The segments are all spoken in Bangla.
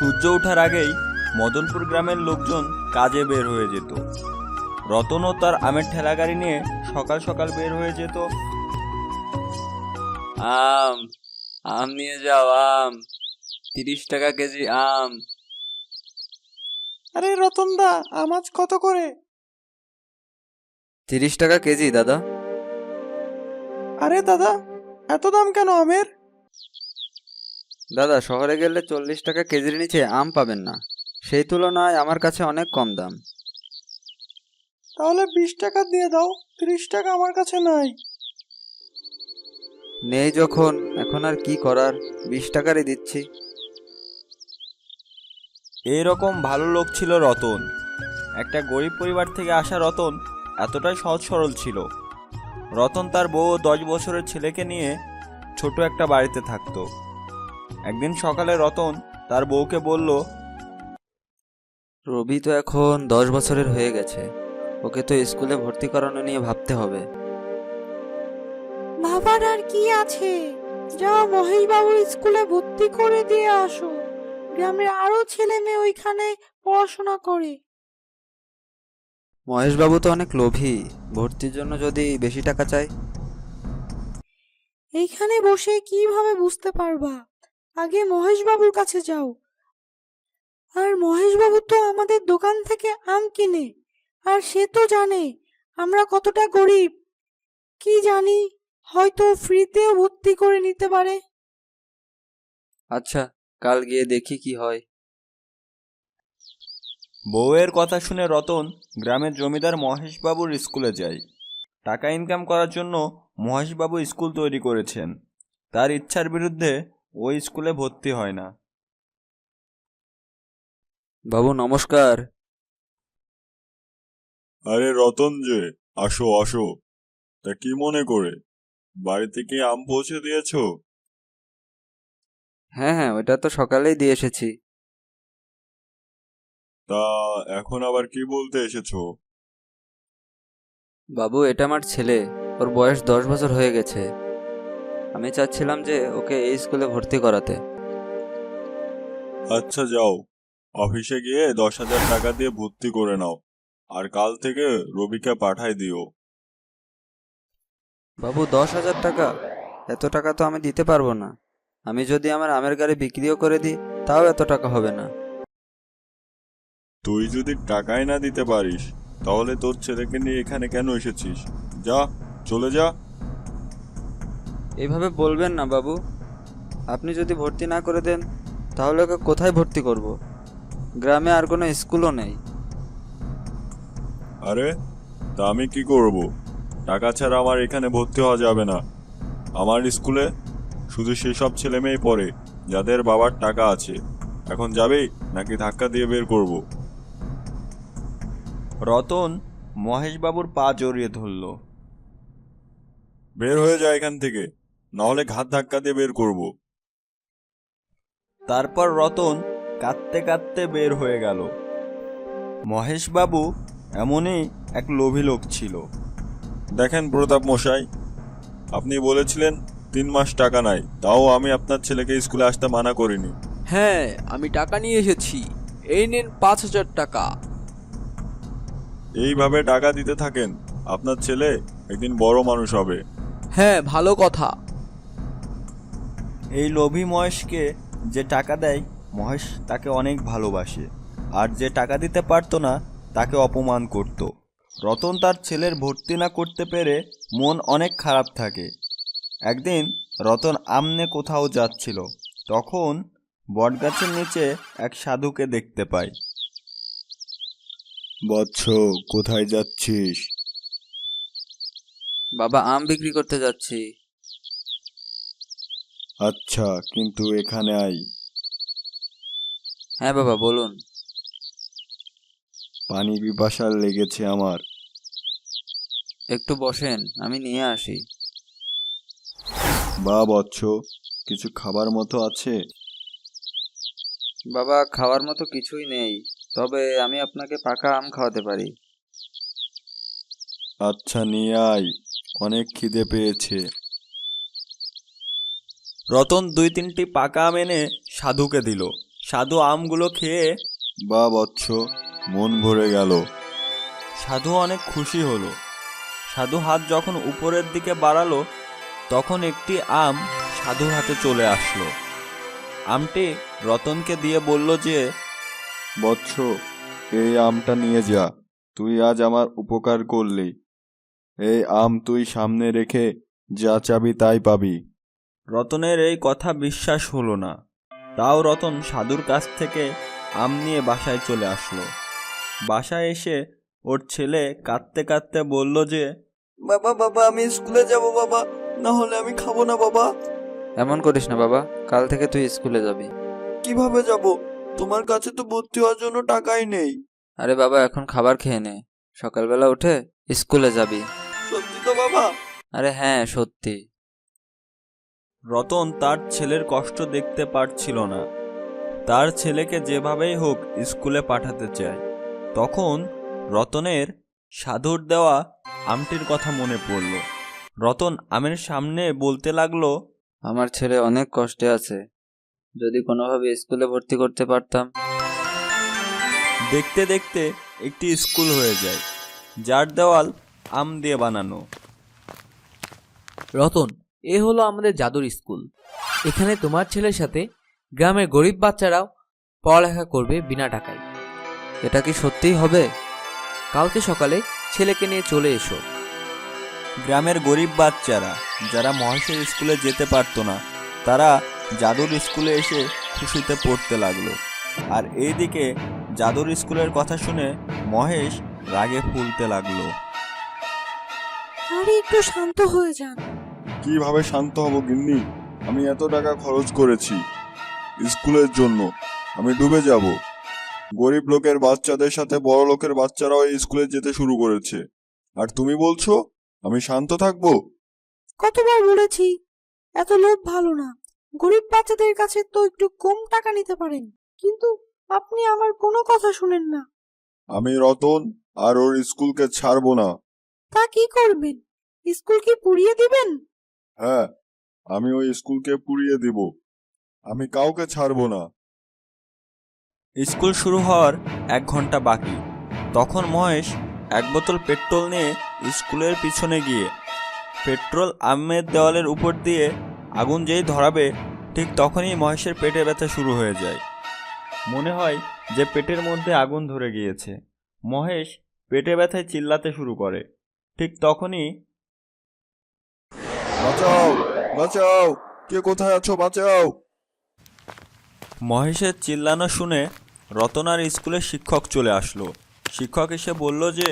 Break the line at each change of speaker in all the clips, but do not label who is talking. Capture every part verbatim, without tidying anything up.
সূর্য ওঠার আগেই মদনপুর গ্রামের লোকজন কাজে বের হয়ে যেত। রতনও তার আমের ঠেলাগাড়ি নিয়ে সকাল সকাল বের হয়ে যেত।
আম আম নিয়ে যাও, আম তিরিশ টাকা কেজি আম।
আরে রতনদা, আম আজ কত করে?
তিরিশ টাকা কেজি দাদা।
আরে দাদা, এত দাম কেন আমের?
দাদা, শহরে গেলে চল্লিশ টাকা কেজির নিচে আম পাবেন না, সেই তুলনায় আমার কাছে অনেক কম দাম।
তাহলে বিশ টাকা দিয়ে দাও, ত্রিশ টাকা আমার কাছে নাই।
নেই যখন এখন আর কি করার, বিশ টাকারই দিচ্ছি।
এইরকম ভালো লোক ছিল রতন। একটা গরিব পরিবার থেকে আসা রতন এতটাই সহজ সরল ছিল। রতন তার বউ ও দশ বছরের ছেলেকে নিয়ে ছোট একটা বাড়িতে থাকতো। একদিন সকালে রতন তার বউকে বলল,
রবি তো এখন দশ বছরের হয়ে গেছে, ওকে তো স্কুলে ভর্তি করানো নিয়ে ভাবতে হবে।
বাবার আর কি আছে, যাও মহেশ বাবুর স্কুলে ভর্তি করে দিয়ে আসো। গ্রামের আরো ছেলে মেয়ে ওইখানে পড়াশোনা করে।
মহেশবাবু তো অনেক লোভী, ভর্তির জন্য যদি বেশি টাকা চাই।
এইখানে বসে কিভাবে বুঝতে পারবা? আগে মহেশ বাবুর কাছে যাও। আর মহেশ বাবু তো আমাদের দোকান থেকে আম কিনে, আর সে তো জানে আমরা কতটা গরিব। কি জানি, হয়তো ফ্রিতেও ভর্তি করে নিতে পারে।
আচ্ছা, কাল গিয়ে দেখি কি হয়।
বউয়ের কথা শুনে রতন গ্রামের জমিদার মহেশবাবুর স্কুলে যায়। টাকা ইনকাম করার জন্য মহেশবাবু স্কুল তৈরি করেছেন। তার ইচ্ছার বিরুদ্ধে ওই স্কুলে ভর্তি হয় না।
বাবু নমস্কার।
আরে রতন যে, আসো আসো। তা কি মনে করে, বাড়িতে কি আম পৌঁছে দিয়েছো?
হ্যাঁ হ্যাঁ, ওটা তো সকালেই দিয়ে এসেছি।
তা এখন আবার কি বলতে এসেছো?
বাবু, এটা আমার ছেলে, ওর বয়স দশ বছর হয়ে গেছে। আমি চাচ্ছিলাম যে ওকে এই স্কুলে ভর্তি করাতে।
আচ্ছা যাও, অফিসে গিয়ে দশ হাজার টাকা দিয়ে ভর্তি করে নাও, আর কাল থেকে রবিকে পাঠাই দিও।
বাবু, দশ হাজার টাকা? এত টাকা তো আমি দিতে পারবো না। আমি যদি আমার আমের গাড়ি বিক্রিও করে দিই, তাও এত টাকা হবে না।
তুই যদি টাকাই না দিতে পারিস, তাহলে তোর ছেলেকে নিয়ে এখানে কেন এসেছিস? যা, চলে যা।
এইভাবে বলবেন না বাবু। আপনি যদি ভর্তি না করে দেন, তাহলে ওকে কোথায় ভর্তি করব? গ্রামে আর কোনো স্কুলও নেই।
আরে, তা আমি কি করব? টাকা ছাড়া আমার এখানে ভর্তি হওয়া যাবে না। আমার স্কুলে শুধু সেই সব ছেলে মেয়ে পড়ে যাদের বাবার টাকা আছে। এখন যাবেই নাকি ধাক্কা দিয়ে বের করব?
রতন মহেশবাবুর পা জড়িয়ে ধরল।
বের হয়ে যায় এখান থেকে, নাহলে ঘাত ধাক্কা দিয়ে বের করব।
তারপর রতন কাঁদতে কাঁদতে বের হয়ে গেল। মহেশবাবু এমনই এক লোভী লোক ছিল।
দেখেন প্রতাপ মশাই, আপনি বলেছিলেন তিন মাস টাকা নাই, তাও আমি আপনার ছেলেকে স্কুলে আসতে মানা করিনি।
হ্যাঁ, আমি টাকা নিয়ে এসেছি, এই নেন পাঁচ হাজার টাকা।
এইভাবে টাকা দিতে থাকেন, আপনার ছেলে একদিন বড় মানুষ হবে।
হ্যাঁ, ভালো কথা।
এই লোভী মহেশকে যে টাকা দেয়, মহেশ তাকে অনেক ভালোবাসে, আর যে টাকা দিতে পারতো না তাকে অপমান করত। রতন তার ছেলের ভর্তি না করতে পেরে মন অনেক খারাপ থাকে। একদিন রতন আমনে কোথাও যাচ্ছিল, তখন বটগাছের নিচে এক সাধুকে দেখতে পায়।
বৎস, কোথায় যাচ্ছিস?
বাবা, আম বিক্রি করতে যাচ্ছি।
আচ্ছা, কিন্তু এখানে আই।
হ্যাঁ বাবা, বলুন।
পানি পিপাসার লেগেছে আমার।
একটু বসেন, আমি নিয়ে আসি।
বা বৎস, কিছু খাবার মতো আছে?
বাবা, খাওয়ার মতো কিছুই নেই, তবে আমি আপনাকে পাকা আম খাওয়াতে পারি।
আচ্ছা, নিয়ে আয়, অনেক খিদে পেয়েছে।
রতন দুই তিনটি পাকা আম এনে সাধুকে দিল। সাধু আমগুলো খেয়ে
বা বৎস, মন ভরে গেল।
সাধু অনেক খুশি হলো। সাধু হাত যখন উপরের দিকে বাড়ালো তখন একটি আম সাধুর হাতে চলে আসলো। আমটি রতনকে দিয়ে বলল যে,
বৎস, এই আমটা নিয়ে যা, তুই আজ আমার উপকার করলি। এই আম তুই সামনে রেখে যা চাবি তাই পাবি।
রতনের এই কথা বিশ্বাস হলো না। তাও রতন সাধুর কাছ থেকে আম নিয়ে বাসায় চলে আসলো। বাসায় এসে ওর ছেলে কাঁদতে কাঁদতে বলল যে,
বাবা বাবা আমি স্কুলে যাব বাবা, না হলে আমি খাবো না বাবা।
এমন করিস না বাবা, কাল থেকে তুই স্কুলে যাবি।
কিভাবে যাব? তোমার কাছে তো ভর্তি হওয়ার জন্য টাকাই নেই।
আরে বাবা, এখন খাবার খেয়ে নে, সকালবেলা উঠে স্কুলে যাবি।
সত্যি তো বাবা?
আরে হ্যাঁ, সত্যি।
রতন তার ছেলের কষ্ট দেখতে পারছিল না। তার ছেলেকে যেভাবেই হোক স্কুলে পাঠাতে চায়। তখন রতনের সাধুর দেওয়া আমটির কথা মনে পড়ল। রতন আমের সামনে বলতে লাগলো,
আমার ছেলে অনেক কষ্টে আছে, যদি কোনোভাবে স্কুলে ভর্তি করতে পারতাম।
দেখতে দেখতে একটি স্কুল হয়ে যায়, যার দেওয়াল আম দিয়ে বানানো।
রতন, এ হলো আমাদের জাদুর স্কুল। এখানে তোমার ছেলের সাথে গ্রামের গরিব বাচ্চারাও পড়ালেখা করবে বিনা টাকায়।
এটা কি সত্যিই হবে?
কালকে সকালে ছেলেকে নিয়ে চলে এসো।
গ্রামের গরিব বাচ্চারা যারা মহেশের স্কুলে যেতে পারতো না, তারা জাদুর স্কুলে এসে খুশিতে পড়তে লাগলো। আর এইদিকে জাদুর স্কুলের কথা শুনে মহেশ রাগে ফুলতে লাগলো।
আরে একটু শান্ত হয়ে যান।
কিভাবে শান্ত হব গিন্নি? আমি এত টাকা খরচ করেছি স্কুলের জন্য, আমি ডুবে যাব। গরিব লোকের বাচ্চাদের সাথে বড় লোকের বাচ্চারাও এই স্কুলে যেতে শুরু করেছে, আর তুমি বলছো আমি শান্ত থাকবো?
কতবার বলেছি এত লোভ ভালো না। গরিব বাচ্চাদের কাছে তো একটু কম টাকা নিতে পারেন, কিন্তু আপনি আমার কোনো কথা শুনেন না।
আমি রতন আর ওর স্কুলকে ছাড়বো না।
তা কি করবেন? স্কুল কি পুড়িয়ে দিবেন?
হ্যাঁ, আমি ওই স্কুলকে পুড়িয়ে দিব। আমি কাউকে ছাড়বো না।
স্কুল শুরু হওয়ার এক ঘন্টা বাকি। তখন মহেশ এক বোতল পেট্রোল নিয়ে স্কুলের পিছনে গিয়ে পেট্রোল আমের দেওয়ালের উপর দিয়ে আগুন যেই ধরাবে, ঠিক তখনই মহেশের পেটে ব্যথা শুরু হয়ে যায়। মনে হয় যে পেটের মধ্যে আগুন ধরে গিয়েছে। মহেশ পেটে ব্যথায় চিল্লাতে শুরু করে। ঠিক তখনই
বাঁচাও, বাঁচাও, কে কোথায় আছো, বাঁচাও।
মহেশের চিল্লানো শুনে রতনার স্কুলের শিক্ষক চলে আসলো। শিক্ষক এসে বলল যে,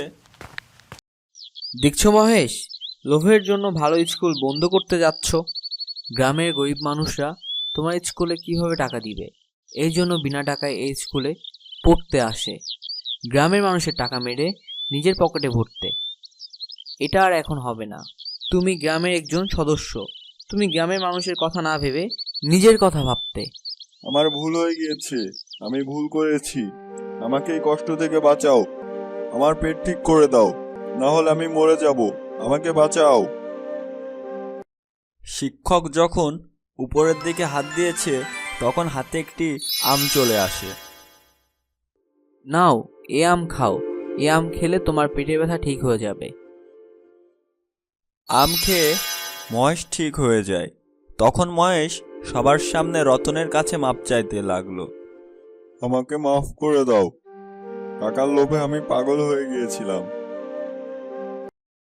দেখছো মহেশ, লোভের জন্য ভালো স্কুল বন্ধ করতে যাচ্ছ। গ্রামের গরিব মানুষরা তোমার স্কুলে কিভাবে টাকা দিবে? এই জন্য বিনা টাকায় এই স্কুলে পড়তে আসে, গ্রামের মানুষের টাকা মেরে নিজের পকেটে ভরতে। এটা আর এখন হবে না। তুমি গ্রামের একজন সদস্য, তুমি গ্রামের মানুষের কথা না ভেবে নিজের কথা ভাবতে।
আমার ভুল হয়ে গিয়েছে, আমি ভুল করেছি। আমাকে এই কষ্ট থেকে বাঁচাও, আমার পেট ঠিক করে দাও, না হলে আমি মরে যাব। আমাকে বাঁচাও।
শিক্ষক যখন উপরের দিকে হাত দিয়েছে তখন হাতে একটি আম চলে আসে।
নাও, এ আম খাও, এ আম খেলে তোমার পেটের ব্যথা ঠিক হয়ে যাবে।
আম খেয়ে মহেশ ঠিক হয়ে যায়। তখন মহেশ সবার সামনে রতনের কাছে মাপ চাইতে লাগলো।
আমাকে মাফ করে দাও, টাকার লোভে আমি পাগল হয়ে গিয়েছিলাম।